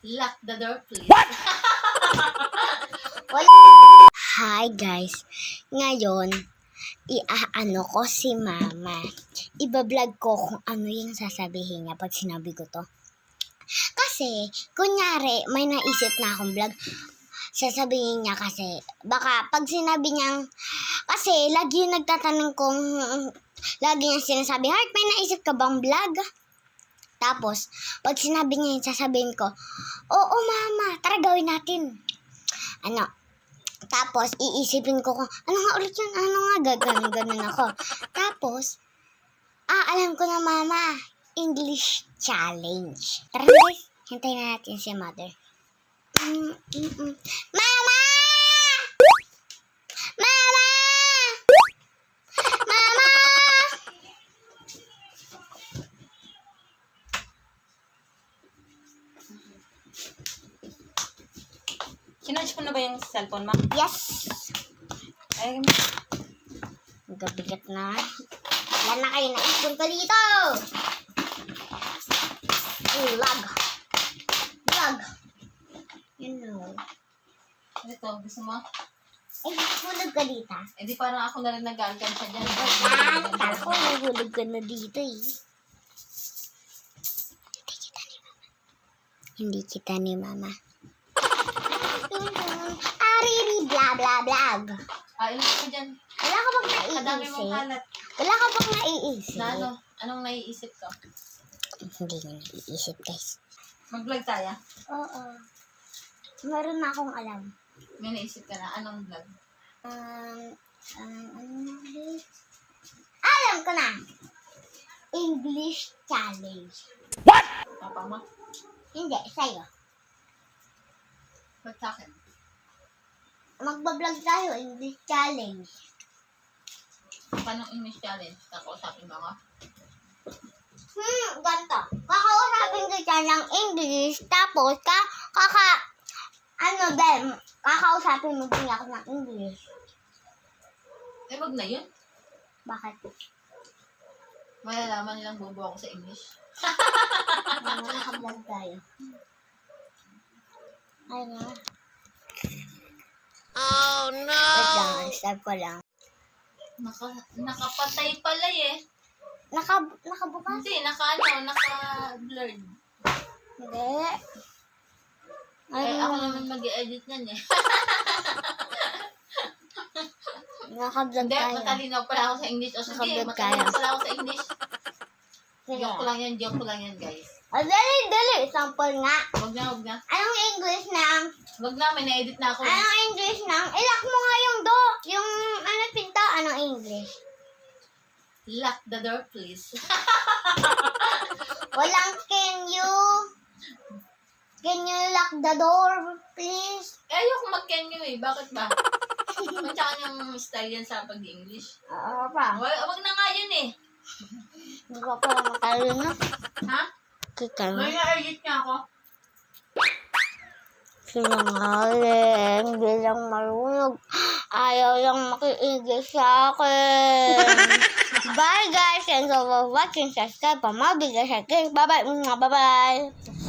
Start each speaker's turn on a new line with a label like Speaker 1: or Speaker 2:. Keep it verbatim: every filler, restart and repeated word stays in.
Speaker 1: Lock the door, please.
Speaker 2: Hi guys, ngayon iaano ko si mama. Ibablog ko kung ano yung sasabihin niya pag sinabi ko to. Kasi, kunyari, may naisip na akong vlog. Sasabihin niya kasi, baka pag sinabi niyang, kasi lagi yung nagtatanong kung, lagi niya sinasabi, Heart, may naisip ka bang vlog? Tapos, pag sinabi niya yung sasabihin ko, oo mama, tara gawin natin. Ano, tapos, iisipin ko kung, ano nga ulit yun? Ano nga? Gaganon-ganon ako. Tapos, ah, alam ko na, mama. English challenge. Tara guys, hintayin na natin si mother. Mm, mm, mm. Mama! Mama! Mama!
Speaker 1: Sinarge mo na ba yung cellphone, ma?
Speaker 2: Yes!
Speaker 1: Ay,
Speaker 2: Gabigat na. Wala na kayo na ipon ko dito! Lag. Lag. Yun know.
Speaker 1: ito, gusto mo?
Speaker 2: Eh, hulog ka dito.
Speaker 1: Eh, di parang ako na rin nag-algan siya dyan.
Speaker 2: Ah, kala ko nahulog ka na dito eh. Hindi kita ni mama. Ariri, bla bla blag.
Speaker 1: Ah, ilan ko dyan?
Speaker 2: Wala ka bang
Speaker 1: Kadami mong
Speaker 2: naiisip?
Speaker 1: kalat.
Speaker 2: Wala ka bang naiisip?
Speaker 1: Na ano? Anong naiisip ko?
Speaker 2: Hindi na naiisip, guys.
Speaker 1: Mag-vlog tayo?
Speaker 2: Oo. Meron na akong alam.
Speaker 1: May naisip ka na. Anong vlog?
Speaker 2: Um, um, ano na ulit? Alam ko na! English challenge.
Speaker 1: Papa mo?
Speaker 2: Hindi, sa'yo.
Speaker 1: Ba't sa akin?
Speaker 2: Magbablog tayo, English challenge.
Speaker 1: Paano English challenge? Kakausapin mo ako?
Speaker 2: Hmm, ganito. Kakausapin ko siya ng English, tapos ka, kaka, ano din, kakausapin mo din ako ng English.
Speaker 1: Eh, wag na yun.
Speaker 2: Bakit?
Speaker 1: Malalaman nilang bobo ako sa English.
Speaker 2: Ano, nakablog tayo. Ay nga.
Speaker 1: Oh, no!
Speaker 2: Wait lang, stop ko lang.
Speaker 1: Naka, nakapatay pala eh.
Speaker 2: Naka, nakabukas?
Speaker 1: Hindi, naka ano, naka-blurred.
Speaker 2: Hindi. Ay,
Speaker 1: Eh, ako naman mag-i-edit niyan eh.
Speaker 2: nakablog
Speaker 1: Hindi,
Speaker 2: tayo.
Speaker 1: matalino pala ako sa English. O sige,
Speaker 2: Nakablog
Speaker 1: matalino
Speaker 2: tayo.
Speaker 1: pala ako sa English.
Speaker 2: Sige.
Speaker 1: Joke ko lang yan, joke ko lang yan, guys.
Speaker 2: Oh, dali, dali. Sample nga.
Speaker 1: Wag na, wag na.
Speaker 2: Anong English ng,
Speaker 1: Wag na, may na-edit na ako. eh.
Speaker 2: anong English ng, ilak mo nga yung do, yung, ano, pinto, anong English?
Speaker 1: Lock the door, please.
Speaker 2: Walang can you, can you lock the door, please?
Speaker 1: Eh, ayoko mag-can you eh. Bakit ba? Matsaka yung style yan sa pag-English.
Speaker 2: Oo pa.
Speaker 1: Wag, wag na nga yun eh.
Speaker 2: Hindi ko pa matalino.
Speaker 1: Ha?
Speaker 2: Kita mo.
Speaker 1: May na-edit niya ako.
Speaker 2: Sinungaling, bilang marunong. Ayaw lang makiigil sa akin. Bye guys, and so for watching, subscribe pa mabigay sa akin. Bye bye, bye bye.